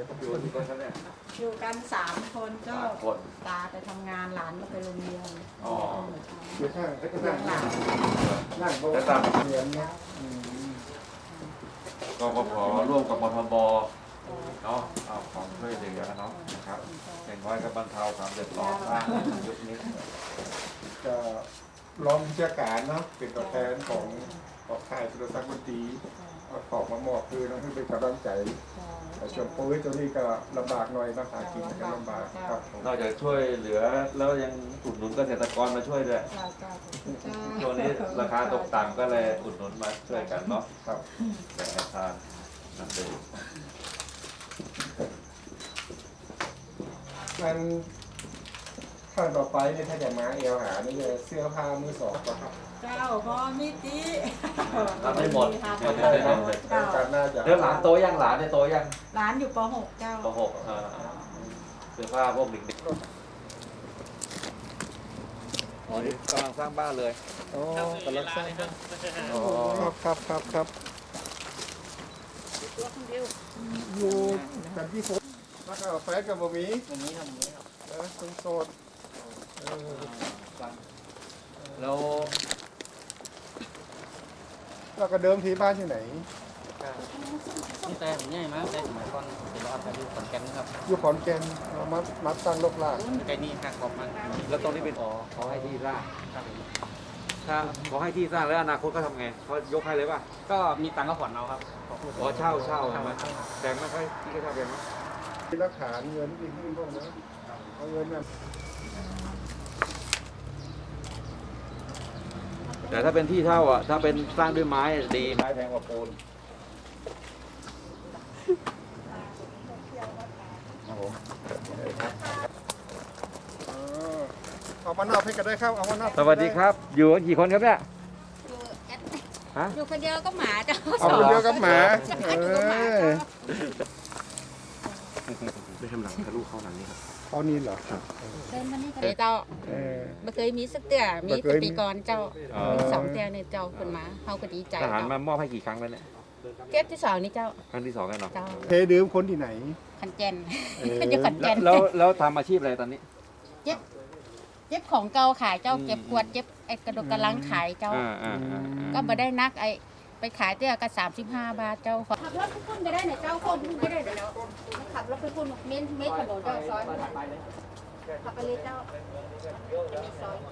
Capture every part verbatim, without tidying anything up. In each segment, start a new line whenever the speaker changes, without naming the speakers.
อยู่ที่คนเขาเนี่ย
อยู่กันสามคนก็
สามคน
ตาไปทำงานหลานก็ไปโรงเรียน
อ๋อ
อยู่ข้างแล้วก็นั่ง
หลาน
นั่งโต๊ะ
แล้วตาม
เรียนเนี่ยอืม
กปภร่วมกับมทบเนาะเอาของช่วยเหลือเนาะนะครับอย่างน้อยก็บรรเทาความเดือดร้อนบ้างยุคนี้
จะรองผู้จัดการเนาะเป็นตัวแทนของของค่ายสุรศักดิ์บุตรีเอาของมามอบคือน้องที่เป็นกำลังใจแต่ช่วงโควิดตัวนี้ก็ลำบากหน่อยนะหากินก็ลำบากครับผม
นอกจากช่วยเหลือแล้วยังอุดหนุนเกษตรกรมาช่วยด้วยช่วงนี้ราคาตกต่ำก็เลยอุดหนุนมาช่วยกันเนาะ
ครับ
แบ่งกันทานนั่นเอง
งั้นขั้นต่อไปเนี่ยถ้าจะมาเอวหานี่จะเสื้อผ้ามือสองก็ครับ
เจ้าพอมิติ
ทำไม่หมด
ทำไม่หมดเจ้า
การน่าจะ
เดี๋ยวหลานโตยังหลานเนี่ยโตยัง
หลานอยู่ป .หก เจ้า
ปหกอ่าเสื้อผ้าพวกเด็กๆอ๋อนี่กำลังสร้างบ้านเลย
โอ้กำลังสร้างบ้าน
อ๋อ
ครับครับครับครับ
ตัวคนเดียว
อยู่กันที่ผมแล้วก็แฟนกับบะหมี่
ตรงนี้ทำนี้ครับ
เออตรงโซนเออ
แล้ว
แล้วก็เดิมทีบ้านที่ไหน
นี่แต่ผมใหญ่มากแต่สมัยก่อนเป็นรอดครับอยู่ขอนแก่นนะครับ
อยู่ขอนแก่นเรามามาตั้งลกลาก
ใกล้นี่หักออกมา
แล้วตรงนี้เป็นอ๋อเขาให้ที่สร้าง
ครับผม
ถ้าเขาให้ที่สร้างแล้วอนาคตเขาทำไงเขายกให้เลยป่ะ
ก็มีตังค์ก็ผ่อนเอาครับ
อ๋อเช่าเช่าใช่ไหมแต่ไม่ค่อยที่เขาทำเป็นไหม
มีหลักฐานเงินที่ขึ้นพวกนั้นเอาเงินน่ะ
แต่ถ้าเป็นที่เช่าอ่ะถ้าเป็นสร้างด้วยไม้ดีไม้แพงกว่าปูนครับผม
เออเอามานอบให้กันได้ครับเอามานอบ
สวัสดีครับ อยู่กันกี่คนครับเนี่ย
อยู่แอด
ฮะ
อยู่คนเดียวก็หมาเจ้า
เอาคนเดียวกับหมา
เอ
เอ
อ
อ
ได้ทำหลังทะลุเข้าหลังนี้ครับ
เอานี่เหรอ
เดินมานี่ก็ได้เจ้า
เออ
ไม่เคยมีสักเตือมี
บ่เค
แต่
ยมี
ปีก่อนเจ้า
อ๋อ
มีสองเตือเนี่ยเจ้าคนมาเขาก็ดีใจ
ทหาร
เจ้า
มามอบให้กี่ครั้งแล้วเนี่ย
เก็บที่สองนี่เจ้า
ครั้งที่สองแล้วเนาะ
เจ้า
เทดื่มคนที่ไหน
ขันแจน
เออ
อยู่ขันแจ
แล้ว
น
แล้วแล้วทำอาชีพอะไรตอนนี้
เจ็บของเก่าขายเจ้า
อืม
เก็บขวดเจ็บไอ้กระดกกระลังขายเจ้า
อ่าอ่าอ่า
ก็มาได้นักไอ้ไปขายเตี้ยก็สามสิบห้าบาทเจ้าขับรถไปพุ่นก็ได้เนี่ยเจ้าคนพุ่นก็ได้เดี๋ยวขับรถไปพุ่นเม้นเม้นถนนเจ้าซอยขับไปเลยเจ้าซอย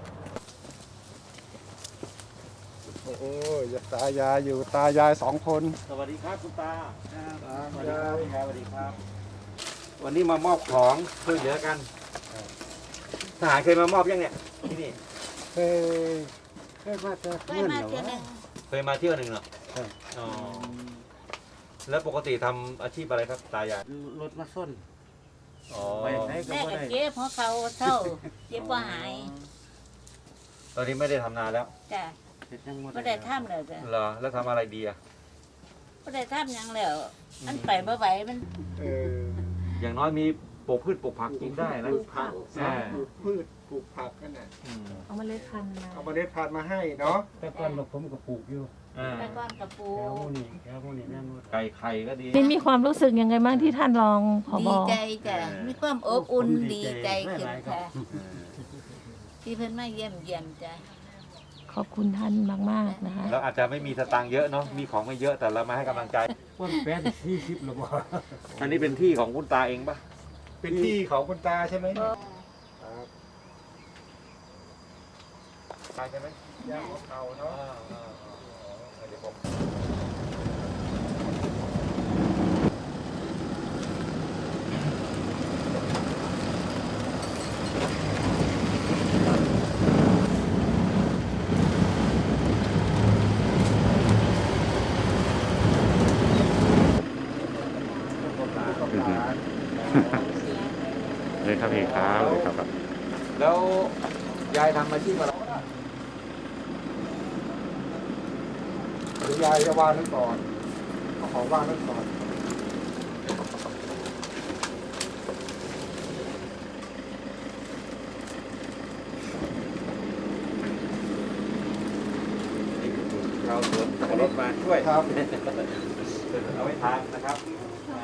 โอ้โหอย่าตายายอยู่ตายายสองคน
สวัสดีครับคุณตา
สวัสดีครับ
สวัสดีครับ วันนี้มามอบของช่วยเหลือกันทหารเคยมามอบยังเนี่ยที่นี่
เคยเคยมาเจอ
ได้มาเทื่อหนึง
เคยมาเที่ยวหนึ่งเหรอ
ครับ
อ๋อแล้วปกติทำอาชีพอะไรครับตายาย
รถมาส้น
อ๋อ
ไปไหนก็
แม่
บ่
ก็
ได้
เจ็บเพราะเขาเท่าเจ็บว่าหาย
ตอนนี้ไม่ได้ทำนานแล้ว
จ้ะ
เฮ็ดยังบ่
ไม่ได้ท่ามเลยจ้ะ
เหรอแล้วทำอะไรดีอะ
ไม่ได้ท่ามยังแล้วมันไปไม่ไหวมัน
เออ
อย่างน้อยมีปลูกพืชปลูกผักกินได้นะ
ปลูกผัก
อ่า
ปลูกพืชปลูกผักกันน่ะ
อืม
เอามาเล็ดพันธุ์มา
เอาเมล็ดพันธุ์มาให้เนาะ
แต่ก่อนเราผมก็ปลูกอยู่
อ่า
แต่ก้อนกระปู
แถวหมู่นี้แถวหมู่นี้แม่นบ่
ไก่ไข่ก็ดี
นี่มีความรู้สึกยังไงบ้างที่ท่านรองผบ
ดีใจจ้ะมีความอบอุ่น
ผม
ดีใจขึ้น
หลายๆครับ
ค่ะที่เพิ่นมาเยี่ยมเยี่ยมจ้ะ
ขอบคุณท่านมากๆนะคะ
แล้วอาจจะไม่มีสตางค์เยอะเนาะมีของไม่เยอะแต่เรามาให้กำลังใจ
คนแปดสี่สิบแล้วบ่
อันนี้เป็นที่ของคุณตาเองปะ
เป็นที่ของคุณตาใช่ไหมครับ
ตาใช่ไหม
ย่าของเขาเนาะ
เดี๋ยวผม
เลยครับพี่ครับเลยครับ
แล้วยายทำอาชีพอะไร
เดี๋ยวยายจะวางนั่นก่อนเอาของวางนั่นก่อน
เราสวนขับรถมาช่วย
ครับ
เอาไว้ทานนะครับ